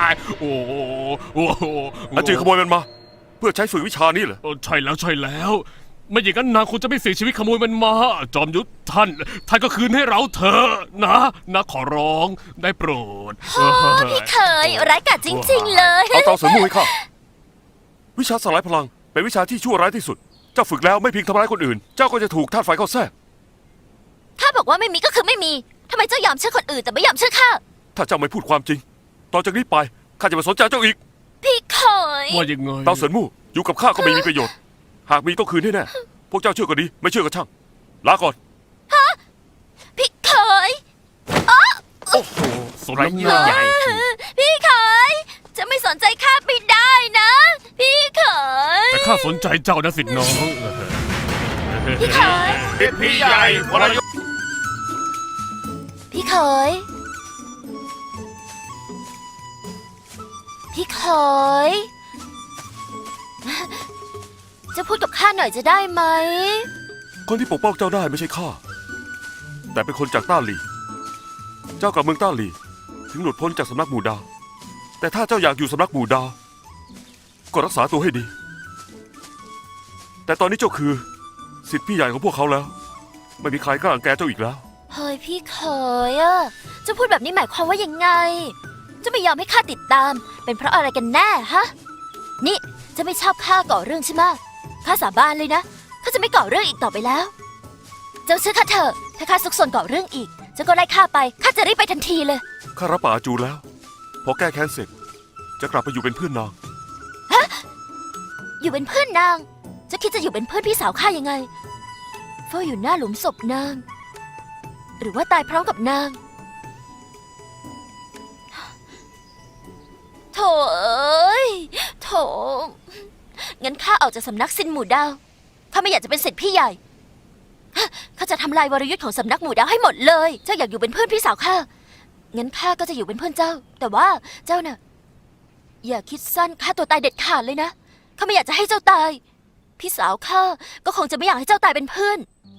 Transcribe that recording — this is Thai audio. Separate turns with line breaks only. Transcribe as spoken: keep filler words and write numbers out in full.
โอ้โหโอ้โห
อาจือขโมยมันมา เพื่อใช้ฝึกวิชานี้เหรอ
เออใช่แล้วใช่แล้ว ไม่อย่างนั้นนางคงจะไม่เสี่ยงชีวิตขโมยมันมา จอมยุทธท่านท่านก็คืนให้เราเถอะนะนะขอร้องได้โปรด
โอ้พี่เคยร้ายกาจจริงๆเลย
เอาเตาเสริมมูให้ข้าวิชาสลายพลังเป็นวิชาที่ชั่วร้ายที่สุด เจ้าฝึกแล้วไม่เพียงทำร้ายคนอื่น เจ้าก็จะถูกธาตุไฟเข้าแทรก
ถ้าบอกว่าไม่มีก็คือไม่มีทำไมเจ้ายอมเชื่อคนอื่นแต่ไม่ยอมเชื่อข้า
ถ้าเจ้าไม่พูดความจริง ต่อจากนี้ไปข้าจะไม่สนใจเจ้าอีก
พี่เคย
ว่ายังไง
เตาเสริมมูอยู่กับข้าก็ไม่มีประโยชน์ หากมีต้องคืนให้แน่ พวกเจ้าเชื่อก็ดี ไม่เชื่อก็ช่าง ลาก่อน
พี่เคย
โอ้โห
สมน้ำหน้า
ใหญ่
พี่เคย จะไม่สนใจข้าไม่ได้นะ พี่เคย
แต่ข้าสนใจเจ้านะสิทธิ์น้อง
พี่เคย
พี่ใหญ่วรยุทธ์
พี่เคย พี่เคย จะพูดกับข้าหน่อยจะได้ไหม
คนที่ปกป้องเจ้าได้ไม่ใช่ข้า แต่เป็นคนจากต้าหลี เจ้ากลับเมืองต้าหลี ถึงหลุดพ้นจากสำนักหมู่ดาว แต่ถ้าเจ้าอยากอยู่สำนักหมู่ดาว ก็รักษาตัวให้ดี แต่ตอนนี้เจ้าคือศิษย์พี่ใหญ่ของพวกเขาแล้ว ไม่มีใครกล้ารังแกเจ้าอีกแล้ว
เฮ้ยพี่เคยอะจะพูดแบบนี้หมายความว่ายังไง จะไม่ยอมให้ข้าติดตาม เป็นเพราะอะไรกันแน่ฮะ นี่จะไม่ชอบข้าก่อเรื่องใช่ไหมข้าสาบานเลยนะข้าจะไม่ก่อเรื่องอีกต่อไปแล้ว เจ้าเชื่อข้าเถอะถ้าข้าซุกซนก่อเรื่องอีกเจ้าก็ไล่ข้าไปข้าจะรีบไปทันทีเลย
ข้ารับป่าอาจูแล้ว พอแก้แค้นเสร็จ จะกลับไปอยู่เป็นเพื่อนนาง
อยู่เป็นเพื่อนนางเจะคิดจะอยู่เป็นเพื่อนพี่สาวข้ายังไงเฝ้าอยู่หน้าหลุมศพนาง หรือว่าตายพร้อมกับนางโถเอ้ยโถงั้นข้าออกจากสำนักซินหมู่ดาวข้าไม่อยากจะเป็นศิษย์พี่ใหญ่ข้าจะทำลายวรยุทธ์ของสำนักหมู่ดาวให้หมดเลยเจ้าอยากอยู่เป็นเพื่อนพี่สาวข้างั้นข้าก็จะอยู่เป็นเพื่อนเจ้า แต่ว่าเจ้าน่ะอย่าคิดสั้นฆ่าตัวตายเด็ดขาดเลยนะข้าไม่อยากจะให้เจ้าตาย พี่สาวข้าก็คงจะไม่อยากให้เจ้าตายเป็นเพื่อน